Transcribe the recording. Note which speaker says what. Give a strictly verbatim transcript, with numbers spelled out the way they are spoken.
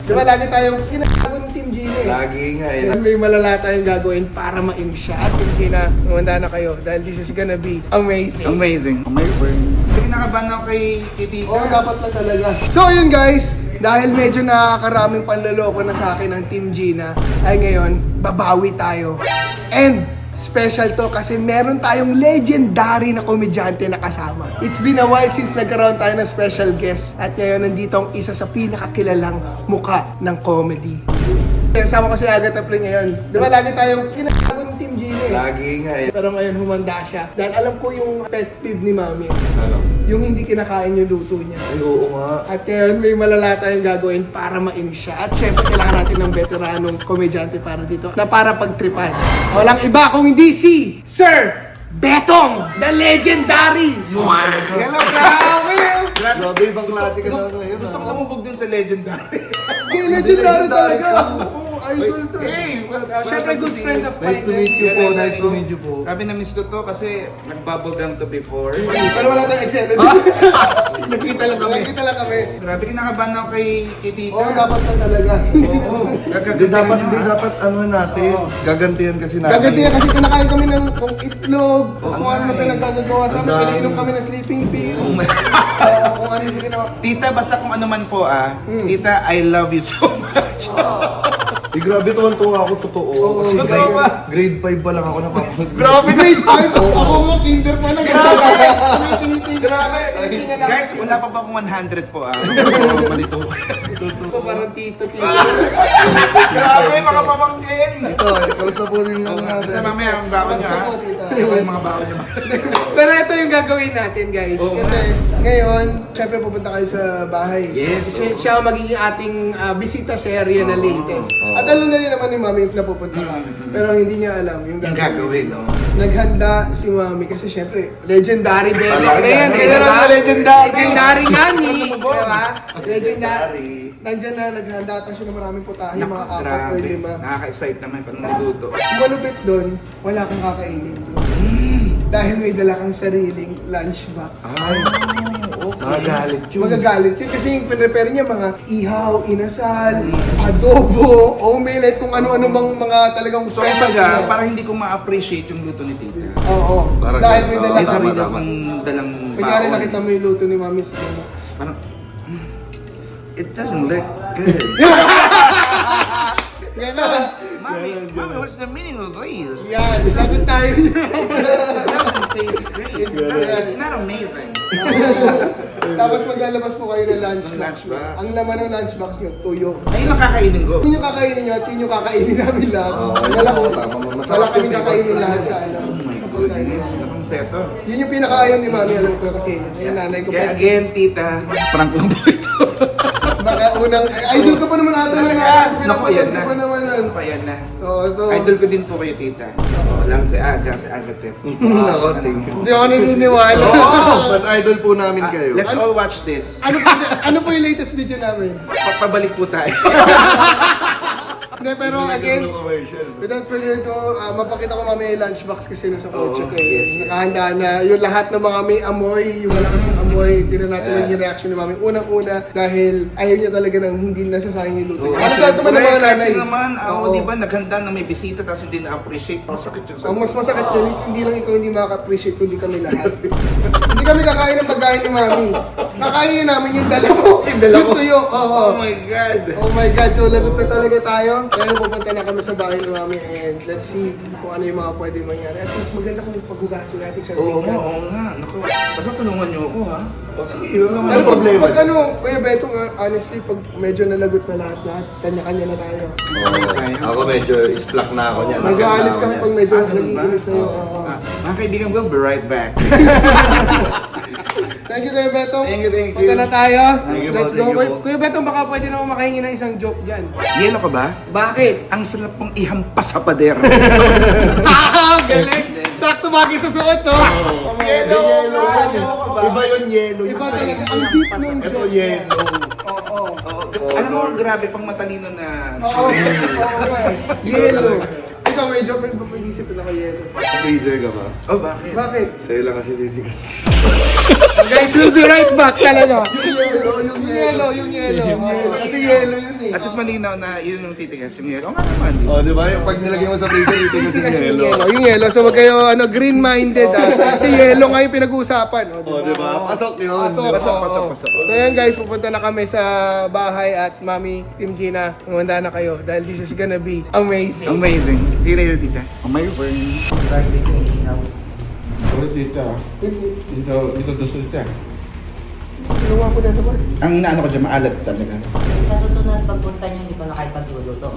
Speaker 1: Di ba lagi tayong kinagawa ng Team Gina eh.
Speaker 2: Lagi nga eh.
Speaker 1: May malala tayong gagawin para mainis siya. At Team Gina, kumanda na kayo dahil this is gonna be amazing.
Speaker 3: Amazing. Amazing. Hindi kinakabahan ako kay kay Tita.
Speaker 1: Oo, dapat lang talaga. So yun guys, dahil medyo nakakaraming panloloko na sa akin ng Team Gina, ay ngayon, babawi tayo. And special to kasi meron tayong legendary na komedyante na kasama. It's been a while since nagkaroon tayo ng special guest. At ngayon, nandito ang isa sa pinakakilalang muka ng comedy. Kasama ko si Agatha Pring ngayon. Di ba lagi tayong kinagawa ng Team Gina eh.
Speaker 2: Lagi nga eh.
Speaker 1: Pero ngayon humanda siya. Dahil alam ko yung pet peeve ni Mami.
Speaker 2: Ano?
Speaker 1: Yung hindi kinakain yung luto niya.
Speaker 2: Ay, oo nga.
Speaker 1: At ngayon may malala tayong gagawin para mainis siya. At syempre kailangan natin ng veteranong komedyante para dito na para pagtripan. Walang iba kung hindi si Sir Betong, the legendary!
Speaker 3: Hello, grabe!
Speaker 2: Grabe, ibang klase ka na ngayon.
Speaker 3: Gusto ko lumubog dun sa legendary.
Speaker 1: Hindi, legendary talaga! Oo, idol to.
Speaker 3: Hey, well,
Speaker 1: Uh, syempre good friend of mine.
Speaker 2: Nice to meet you po,
Speaker 3: Yes,
Speaker 2: nice to
Speaker 3: ano,
Speaker 2: meet you po.
Speaker 3: Grabe na miss ko to kasi nag-bubble gum to before.
Speaker 1: Pero wala tayong Excel. Nakita lang kami. Nakita lang kami.
Speaker 3: Grabe, kinakabahan ako kay, kay Tita.
Speaker 1: Oo, dapat lang talaga.
Speaker 3: Oo.
Speaker 2: Hindi dapat, hindi dapat ano natin. Gagantihan kasi natin.
Speaker 1: Gagantihan kasi kinakain kami ng kung itlog, tapos kung ano na
Speaker 3: my.
Speaker 1: pinagkagagawa sa amin,
Speaker 2: Ang dami.
Speaker 1: pinainom kami ng sleeping pills.
Speaker 3: Oh my.
Speaker 1: Oo, kung ano yung ginawa.
Speaker 3: Tita, basta kung ano man po ah. Tita, I love you so much.
Speaker 2: Eh, grabe tuwan-tuwa ako, totoo.
Speaker 1: Oo,
Speaker 2: Kasi
Speaker 3: totoo
Speaker 2: grade,
Speaker 3: ba?
Speaker 2: grade five pa lang ako napapag...
Speaker 3: Grabe,
Speaker 1: Grade five, ako mo kinder pa lang.
Speaker 3: Grabe.
Speaker 1: May tinitig.
Speaker 3: Grabe.
Speaker 1: Tinitingan lang.
Speaker 3: Guys, wala pa ba akong one hundred po ah? Oo, malito.
Speaker 1: Ito parang tito, tito.
Speaker 3: Grabe, mga pamangkin.
Speaker 2: Ito, eh, kamusta po rin lang natin.
Speaker 3: Basta mamaya ang baon nyo
Speaker 1: Basta
Speaker 3: ha.
Speaker 1: po, tita.
Speaker 3: Ano yung mga baon nyo?
Speaker 1: Pero ito yung gagawin natin, guys.
Speaker 3: Oo
Speaker 1: Kasi ngayon, syempre pupunta kayo sa bahay.
Speaker 3: Yes,
Speaker 1: Kasi
Speaker 3: oo.
Speaker 1: siya ang magiging ating ah, bisita sa area na latest.
Speaker 2: Oo.
Speaker 1: At alam na rin naman ni Mami na pupunta ka. Pero hindi niya alam yung
Speaker 3: Yung
Speaker 1: gagawin.
Speaker 3: gagawin, no?
Speaker 1: Naghanda si Mami kasi syempre, legendary baby.
Speaker 2: Talaga.
Speaker 1: Ano yan?
Speaker 3: Kailan ang legendary?
Speaker 1: Legendary nga ni.
Speaker 3: Lumubog.
Speaker 1: Diba? Legendary. Nandyan na, naghanda ata siya ng maraming putahe, mga
Speaker 3: Naku,
Speaker 1: apat or
Speaker 3: grabe.
Speaker 1: lima.
Speaker 3: Nakaka-excite naman pag nagluto.
Speaker 1: Ang malupit doon, wala kang kakainin doon. Dahil may dala kang sariling lunchbox.
Speaker 3: Ay, okay.
Speaker 2: Magagalit yun.
Speaker 1: Magagalit yun kasi yung pinrepare niya mga ihaw, inasal, adobo, omelette, kung ano-ano bang mga talagang
Speaker 3: So,
Speaker 1: special.
Speaker 3: kumbaga,
Speaker 1: niya.
Speaker 3: para hindi ko ma-appreciate yung luto ni Tita.
Speaker 1: Oo,
Speaker 2: Parang
Speaker 1: dahil
Speaker 2: ganun.
Speaker 1: may
Speaker 2: Oo,
Speaker 1: dala
Speaker 3: May
Speaker 1: kang...
Speaker 3: sarili
Speaker 2: tama.
Speaker 3: akong dalang
Speaker 1: Kunyari
Speaker 3: baon.
Speaker 1: nakita mo yung luto ni Mami sa ano.
Speaker 3: Parang, mm, it doesn't look good.
Speaker 1: Ganon.
Speaker 3: Mommy, Mommy, what's the meaning of this?
Speaker 1: Yan, sagot tayo niya.
Speaker 3: It doesn't taste great.
Speaker 1: Yeah.
Speaker 3: It's not amazing.
Speaker 1: Tapos maglalabas po kayo ng lunchbox.
Speaker 3: Lunchbox.
Speaker 1: Ang laman ng lunchbox nyo, tuyo.
Speaker 3: Ayun ang kakainin ko.
Speaker 1: Yun yung kakainin nyo at yun yung kakainin namin lahat.
Speaker 2: Oo,
Speaker 1: Wala ko.
Speaker 2: tama, tama. Masarap
Speaker 1: Wala kami
Speaker 2: yun,
Speaker 1: kakainin
Speaker 2: diba?
Speaker 1: lahat sa ano.
Speaker 3: Oh my
Speaker 1: sa pagkain.
Speaker 3: goodness, nakang seto.
Speaker 1: Yun yung pinakaayaw ni Mami, alam ko kasi. Yung nanay ko.
Speaker 3: Kaya
Speaker 1: Kasi
Speaker 3: again, Tita, prank lang po ito.
Speaker 1: baka unang, ay, idol ka pa naman ata na nga.
Speaker 3: Naku, yan na.
Speaker 1: Pinapanood ka pa naman nun.
Speaker 3: Naku, yan na.
Speaker 1: Oo, ito.
Speaker 3: Idol ko din po kayo, Tita. Oo, lang si Aga, si Agatep.
Speaker 2: Nako, thank you.
Speaker 1: Hindi ako naniniwala.
Speaker 2: Mas idol po namin kayo.
Speaker 3: Let's all watch this.
Speaker 1: Ano po, ano po yung latest video namin?
Speaker 3: Pabalik po tayo.
Speaker 1: Hindi, pero again,
Speaker 2: commercial.
Speaker 1: without further ado, uh, mapakita ko mamaya yung lunchbox kasi nasa kotse
Speaker 3: Oo,
Speaker 1: ko eh.
Speaker 3: yes, yes.
Speaker 1: Nakahanda na yung lahat ng mga may amoy, yung malakas ng amoy. Tignan natin
Speaker 3: Yeah.
Speaker 1: yung reaction ni Mami. Unang-una, dahil ayaw niya talaga ng hindi nasasayang yung luto.
Speaker 3: Oo,
Speaker 1: Ano
Speaker 3: kasi
Speaker 1: sa naman ng mga
Speaker 3: correct,
Speaker 1: nanay?
Speaker 3: kasi naman, ako,
Speaker 1: Oo.
Speaker 3: di ba, naghanda na may bisita tapos hindi na-appreciate. Masakit yun sa
Speaker 1: Ang mas masakit yun, hindi lang ikaw hindi makaka-appreciate, kundi kami lahat. Hindi kami kakain ng pagkain ni Mami. Kakainin namin yung dala mo.
Speaker 3: Yung dala ko?
Speaker 1: tuyo. Oo.
Speaker 3: Oh my God!
Speaker 1: Oh my God, so lagot na talaga tayo. Kaya pupunta na kami sa bahay ni Mami and let's see kung ano yung mga pwede mangyari. At least maganda kung paghugasin natin siya.
Speaker 3: Oo nga, oo nga. Naku, basta tulungan niyo ako, ha?
Speaker 2: O sige,
Speaker 1: Ano
Speaker 2: ano problema?
Speaker 1: Pag ano, Kuya Beto, uh, honestly, pag medyo nalagot na lahat-lahat, kanya-kanya na tayo.
Speaker 2: Ako medyo isplak na ako niyan.
Speaker 1: Mag-aalis kami pag medyo
Speaker 3: Ah, ganun ba?
Speaker 1: nag-iinit na yung... oo.
Speaker 3: Ah, mga kaibigan, we'll be right back.
Speaker 1: Thank you, Kuya Beto.
Speaker 3: Thank you, thank you.
Speaker 1: Punta na tayo.
Speaker 2: Thank you po,
Speaker 1: Let's go.
Speaker 2: thank you
Speaker 1: Kuya-
Speaker 2: po.
Speaker 1: Kuya Beto, baka pwede naman makahingi ng isang joke dyan.
Speaker 3: Yelo ka ba?
Speaker 1: Bakit?
Speaker 3: Ang sarap pong ihampas sa pader.
Speaker 1: Ah, galing! Sakto bagay sa suot, no? Oh,
Speaker 3: Yellow!
Speaker 2: Yellow.
Speaker 3: Yellow ka ba?
Speaker 2: Iba yung yellow.
Speaker 1: Iba
Speaker 2: yung
Speaker 1: talaga.
Speaker 2: size.
Speaker 1: Ang deep nung
Speaker 2: Ito
Speaker 1: joke.
Speaker 2: yellow.
Speaker 1: Oo.
Speaker 3: Oo, alam mo, grabe pang matalino na
Speaker 1: Oo, oo, nga eh. Yellow. Ito ikaw medyo pag-isip na yelo.
Speaker 2: Freezer ka ba?
Speaker 3: Oh, bakit?
Speaker 1: Bakit?
Speaker 2: Sa'yo lang kasi titigas.
Speaker 1: Guys, we'll be right back talaga. Yung yelo, yung yelo, yung yelo. Oo, kasi yelo yun eh.
Speaker 3: At least malinaw na yun yung titigas yung yelo. O nga naman. di ba?
Speaker 2: Oh, di ba? Yung pag nilagay mo sa freezer, titigas yung
Speaker 1: Kasi yung
Speaker 2: yelo.
Speaker 1: yelo, yung yelo. So wag kayo ano, green-minded ah. Kasi yelo nga yung pinag-uusapan.
Speaker 2: Oh, di ba? Pasok yun.
Speaker 1: Pasok,
Speaker 3: Pasok,
Speaker 1: oo.
Speaker 3: pasok, pasok.
Speaker 1: So yan guys, pupunta na kami sa bahay at Mami, Team Gina, kumanda na kayo dahil this is gonna be amazing.
Speaker 3: Amazing. See you later, tita. Amazing.
Speaker 4: Uy, tita. Dito, dito doon siya.
Speaker 1: Ginawa ko na naman.
Speaker 3: Ang inaano ko dyan, maalat talaga.
Speaker 5: Sa susunod pagpunta niyo, hindi ko na kayo pagluluto.